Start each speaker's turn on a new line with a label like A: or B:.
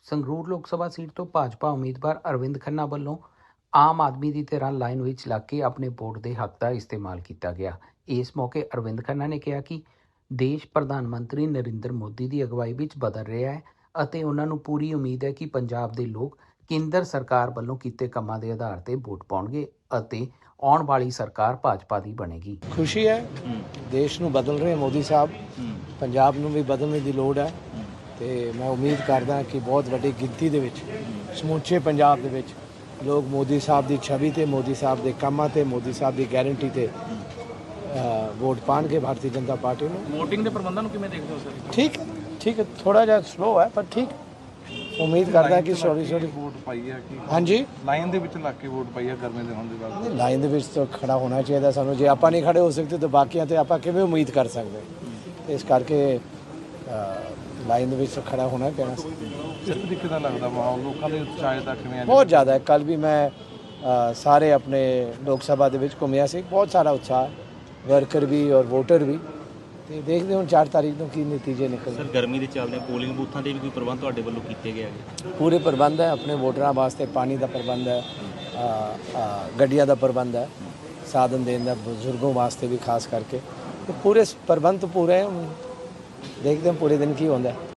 A: ਸੰਗਰੂਰ ਲੋਕ ਸਭਾ ਸੀਟ ਤੋਂ ਭਾਜਪਾ ਉਮੀਦਵਾਰ ਅਰਵਿੰਦ ਖੰਨਾ ਵੱਲੋਂ ਆਮ ਆਦਮੀ ਦੀ ਤਰ੍ਹਾਂ ਲਾਈਨ ਵਿੱਚ ਲੱਗ ਕੇ ਆਪਣੇ ਵੋਟ ਦੇ ਹੱਕ ਦਾ ਇਸਤੇਮਾਲ ਕੀਤਾ ਗਿਆ। ਇਸ ਮੌਕੇ ਅਰਵਿੰਦ ਖੰਨਾ ਨੇ ਕਿਹਾ ਕਿ ਦੇਸ਼ ਪ੍ਰਧਾਨ ਮੰਤਰੀ ਨਰਿੰਦਰ ਮੋਦੀ ਦੀ ਅਗਵਾਈ ਵਿੱਚ ਬਦਲ ਰਿਹਾ ਹੈ ਅਤੇ ਉਹਨਾਂ ਨੂੰ ਪੂਰੀ ਉਮੀਦ ਹੈ ਕਿ ਪੰਜਾਬ ਦੇ ਲੋਕ ਕੇਂਦਰ ਸਰਕਾਰ ਵੱਲੋਂ ਕੀਤੇ ਕੰਮਾਂ ਦੇ ਆਧਾਰ ਤੇ ਵੋਟ ਪਾਉਣਗੇ ਅਤੇ ਆਉਣ ਵਾਲੀ ਸਰਕਾਰ ਭਾਜਪਾ ਦੀ ਬਣੇਗੀ।
B: ਖੁਸ਼ੀ ਹੈ, ਦੇਸ਼ ਨੂੰ ਬਦਲ ਰਹੇ ਮੋਦੀ ਸਾਹਿਬ, ਪੰਜਾਬ ਨੂੰ ਵੀ ਬਦਲਣ ਦੀ ਲੋੜ ਹੈ ਤੇ ਮੈਂ ਉਮੀਦ ਕਰਦਾ ਕਿ ਬਹੁਤ ਵੱਡੀ ਗਿਣਤੀ ਦੇ ਵਿੱਚ ਸਮੁੱਚੇ ਪੰਜਾਬ ਦੇ ਵਿੱਚ ਲੋਕ ਮੋਦੀ ਸਾਹਿਬ ਦੀ ਛਵੀ ਤੇ, ਮੋਦੀ ਸਾਹਿਬ ਦੇ ਕੰਮਾਂ ਤੇ, ਮੋਦੀ ਸਾਹਿਬ ਦੀ ਗਾਰੰਟੀ ਤੇ ਵੋਟ ਪਾਣਗੇ ਭਾਰਤੀ ਜਨਤਾ ਪਾਰਟੀ ਨੂੰ।
C: ਵੋਟਿੰਗ ਦੇ ਪ੍ਰਬੰਧਾਂ ਨੂੰ ਕਿਵੇਂ ਦੇਖਦੇ ਹੋ ਸਰ?
B: ਠੀਕ ਹੈ, ਥੋੜਾ ਜਿਹਾ ਸਲੋ ਹੈ ਪਰ ਠੀਕ। ਉਮੀਦ ਕਰਦਾ ਕਿ ਸੌਰੀ
D: ਵੋਟ ਪਾਈ ਹੈ ਕਿ
B: ਹਾਂਜੀ
D: ਲਾਈਨ ਦੇ ਵਿੱਚ ਲੱਗ ਕੇ ਵੋਟ ਪਾਈ ਹੈ ਗਰਮੀ ਦੇ ਹੋਣ ਦੇ ਬਾਅਦ।
B: ਲਾਈਨ ਦੇ ਵਿੱਚ ਤਾਂ ਖੜਾ ਹੋਣਾ ਚਾਹੀਦਾ ਸਾਨੂੰ। ਜੇ ਆਪਾਂ ਨਹੀਂ ਖੜੇ ਹੋ ਸਕਦੇ ਤਾਂ ਬਾਕੀਆਂ ਤੇ ਆਪਾਂ ਕਿਵੇਂ ਉਮੀਦ ਕਰ ਸਕਦੇ? ਇਸ ਕਰਕੇ ਲਾਈਨ ਦੇ ਵਿੱਚ ਖੜਾ ਹੋਣਾ ਪੈਣਾ।
D: ਕਿਸ ਤਰੀਕੇ ਦਾ ਲੱਗਦਾ ਮਾਹੌਲ ਲੋਕਾਂ ਦੇ ਉਤਸ਼ਾਹ ਦਾ ਕਿਵੇਂ?
B: ਬਹੁਤ ਜ਼ਿਆਦਾ ਹੈ। ਕੱਲ ਵੀ ਮੈਂ ਸਾਰੇ ਆਪਣੇ ਲੋਕ ਸਭਾ ਦੇ ਵਿੱਚ ਘੁੰਮਿਆ ਸੀ, ਬਹੁਤ ਸਾਰਾ ਉਤਸ਼ਾਹ, ਵਰਕਰ ਵੀ ਔਰ ਵੋਟਰ ਵੀ। ਤੇ ਦੇਖਦੇ ਹੁਣ 4 ਤਾਰੀਖ ਨੂੰ ਕੀ ਨਤੀਜੇ ਨਿਕਲਦੇ।
C: ਸਰ ਗਰਮੀ ਦੇ ਚੱਲਦੇ ਪੋਲਿੰਗ ਬੂਥਾਂ ਦੇ ਵੀ ਕੋਈ ਪ੍ਰਬੰਧ ਤੁਹਾਡੇ ਵੱਲੋਂ ਕੀਤੇ ਗਏ ਹੈਗੇ?
B: ਪੂਰੇ ਪ੍ਰਬੰਧ ਹੈ, ਆਪਣੇ ਵੋਟਰਾਂ ਵਾਸਤੇ ਪਾਣੀ ਦਾ ਪ੍ਰਬੰਧ ਹੈ, ਗੱਡੀਆਂ ਦਾ ਪ੍ਰਬੰਧ ਹੈ, ਸਾਧਨ ਦੇਣ ਦਾ ਬਜ਼ੁਰਗੋਂ ਵਾਸਤੇ ਵੀ ਖਾਸ ਕਰਕੇ। ਪੂਰੇ ਪ੍ਰਬੰਧ ਪੂਰੇ ਦੇਖਦੇ ਹਾਂ ਪੂਰੇ ਦਿਨ ਕੀ ਹੁੰਦਾ।